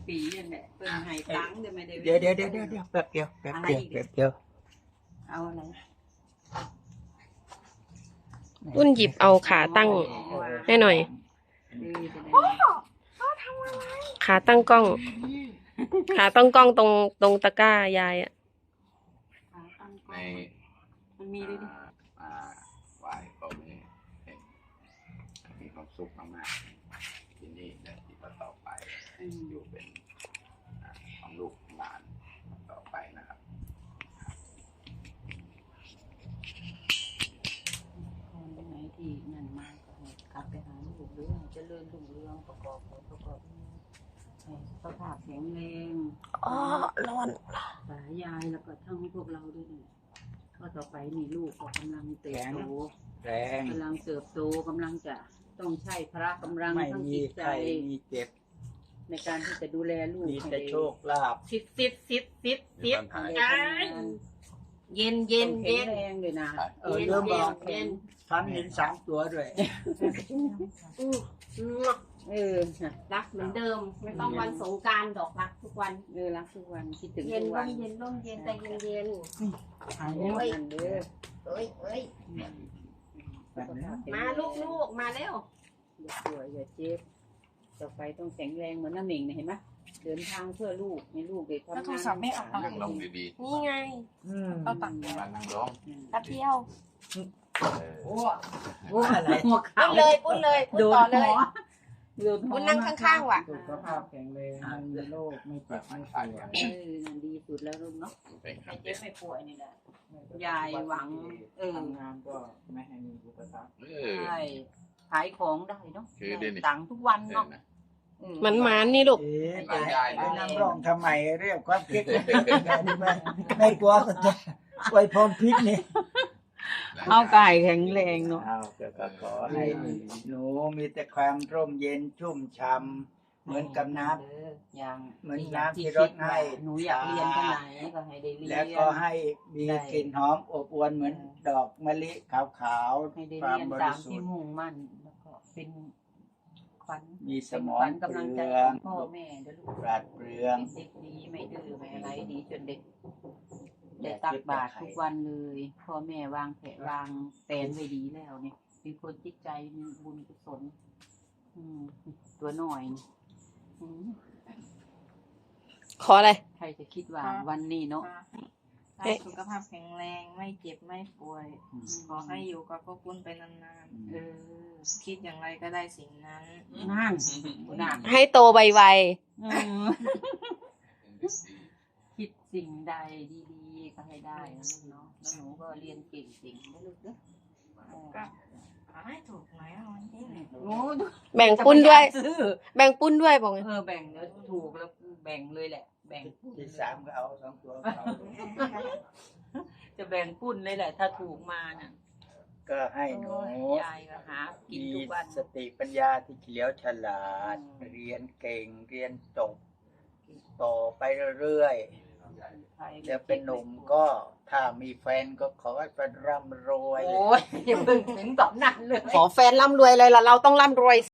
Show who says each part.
Speaker 1: ปีนั่นแหละเพิ่นให้ตังค์แต่ไม่ได้
Speaker 2: เดี๋ยวแป๊บเดียว
Speaker 1: เอาอะไร
Speaker 3: ปุ้นหยิบเอาขาตั้งให้หน่อย ขาตั้งกล้อง ขาตั้งกล้องตรงตะกร้ายายอ่ะ
Speaker 4: ใน
Speaker 1: มันมีด้วยดิ
Speaker 4: ไหวก็มีความสุขมากๆที่นี่และที่ต่อไปอยู่เป็นของลูกหลานต่อไปนะครับ
Speaker 1: คนไหนที่นั่นมากก็ให้กลับไปหาลูกเรื่องเจริญรุ่งเรืองประกอบสุขภาพแข็งแรง
Speaker 3: อ๋อร้อน
Speaker 1: สายยายแล้วก็ทั้งพวกเราด้วยนี่ก็ต่อไปนี่ลูกก็กำลังเติบโต
Speaker 2: แรง
Speaker 1: กำลังเติบโตกำลังจะต้องใช้พละกำลัง
Speaker 2: ไม่
Speaker 1: ทั้ง
Speaker 2: มี
Speaker 1: จิตใจ
Speaker 2: ใครมีเจ็บ
Speaker 1: ในการที่จะดูแลลูก
Speaker 2: มีแต่โชคลาภ
Speaker 3: ซิดเย็น
Speaker 1: เย็นแข็งแรงเลยนะ
Speaker 2: เริ่มบอกฉันเห็น3 ตัวด้วย
Speaker 3: รักเหมือนเดิม ไม่ต้องวันสงกรานต์ดอกรักทุกวัน
Speaker 1: รักทุกวันคิดถึง
Speaker 3: เย็น
Speaker 1: ทุก
Speaker 3: ร่
Speaker 1: วัน
Speaker 3: มเย็นร่มเย็นแต่เย็น
Speaker 1: หายแล้วนั่นเด้อ
Speaker 3: เอ้ยมาลูกมาเร็ว
Speaker 1: อย่าป่วยอย่าเจ็บต่อไปต้องแข็งแรงเหมือนน้าหนิงเนี่ยเห็นไหมเดินทางเพื่อลูกให้ลูกได้ทำงาน
Speaker 4: นั่งลงดี
Speaker 3: นี่ไง
Speaker 1: ก็ตัก
Speaker 4: ๆมานั่งลง
Speaker 3: แป๊บเดียว
Speaker 2: อะไร
Speaker 1: หัวเข่า
Speaker 3: ปุ้นเลยปุ้นต่อเลย ปุ้นนั่งข้างๆว่ะ
Speaker 2: สุขภาพแข็งแรงไม่มีโรคไม่เจ็บไม่ป่วย
Speaker 1: ดีสุดแล้วลูกเนาะ
Speaker 4: เป็นครั้
Speaker 1: ไม่
Speaker 4: ง
Speaker 1: เจ็บไม่ป่วยนี่แหละ ยายหวัง
Speaker 2: ทำงานก็ไม่ให้มีอุปสรรค
Speaker 1: ใช่ขายของได้เนาะ
Speaker 4: คือเด่น
Speaker 1: ตังค์ทุกวันเนาะ
Speaker 3: มันนี่ลูก
Speaker 2: ไปนั่งร้องทำไมเรียกความคิดไม่กลัวก็จะไว้พรพิษนี่
Speaker 1: เอาไก่แข็งแรงเนาะ
Speaker 2: เอาก็ขอให้หนูมีแต่ความร่มเย็นชุ่มช่ำเหมือนกับน้ำ
Speaker 1: อย่าง
Speaker 2: เหมือนน้ำที่รดให้
Speaker 1: หนูอยากเรียนที่ไหนก็ให้ได้เรียน
Speaker 2: แล้วก็ให้มีกลิ่นหอมอบอวลเหมือนดอกมะลิขาว
Speaker 1: ให้ได้
Speaker 2: ๆความ
Speaker 1: เรียน
Speaker 2: บ
Speaker 1: ตา
Speaker 2: ริ
Speaker 1: ม
Speaker 2: สุ
Speaker 1: ที่
Speaker 2: ทธิ์
Speaker 1: มุ่งมั่นแล้วก็เป็นขวัญ
Speaker 2: มีส
Speaker 1: เป็น
Speaker 2: ม
Speaker 1: ข
Speaker 2: อ
Speaker 1: วั
Speaker 2: ง
Speaker 1: ญ
Speaker 2: เป
Speaker 1: กำลัง
Speaker 2: ลื
Speaker 1: ใจ
Speaker 2: อ
Speaker 1: ข
Speaker 2: ง
Speaker 1: องพ่อแม่เด้อลูก
Speaker 2: ปราดเปรือง
Speaker 1: เป็นเด็กดีไม่ดื้อไม่อะไรดีจนเด็กได้ตักบาตรทุกวันเลยพ่อแม่วางแผนวางแผนไว้ดีแล้วเนี่ยเป็นคนจิตใจมีบุญกุศลตัวหน่อยนี่อืม
Speaker 3: ขออะไร
Speaker 1: ใครจะคิดว่าวันนี้เนาะ
Speaker 5: ให้สุขภาพแข็งแรงไม่เจ็บไม่ป่วย ขอให้อยู่กับพวกคุณไปนาน
Speaker 1: เออ
Speaker 5: ๆ คิดอย่างไรก็ได้สิ่งนั้น
Speaker 1: นั่นนั่น
Speaker 3: ให้โตไว
Speaker 1: คิดสิ่งใดดีๆก็ให้ได้นะลูกเนาะแล้วหนูก็เรียนเก่งๆนะลูกเด้อ
Speaker 5: ก็ขอให้ถูกหน่อยเอาวันที่หนึ่ง
Speaker 1: โอ้
Speaker 3: ๆ แบ่งปุ้นด้วย
Speaker 1: ซื้อ
Speaker 3: แบ่งปุ้นด้วยบอกไง
Speaker 1: แบ่งแล้วถูกแล้วแบ่งเลยแหละ แบ่งปุ้น
Speaker 2: ที่3ก็เอา2 ตัวเขา
Speaker 1: จะแบ่งปุ้นเลยแหละ ถ้าถูกมาน่ะ
Speaker 2: ก็ให้หนู
Speaker 1: ยายก็หากิน
Speaker 2: มี
Speaker 1: ทุกวัน
Speaker 2: สติปัญญาที่เฉลียวฉลาด เรียนเก่งเรียนจบต่อไปเรื่อยๆจะเป็นหนุ่มก็ถ้ามีแฟนก็ขอให้เป็นร่ำรวย
Speaker 1: โอ้ยอย่าเพิ่งถึงตอนนั้นเลย
Speaker 3: ขอแฟนร่ำรวยเลยล่ะเราต้องร่ำรวย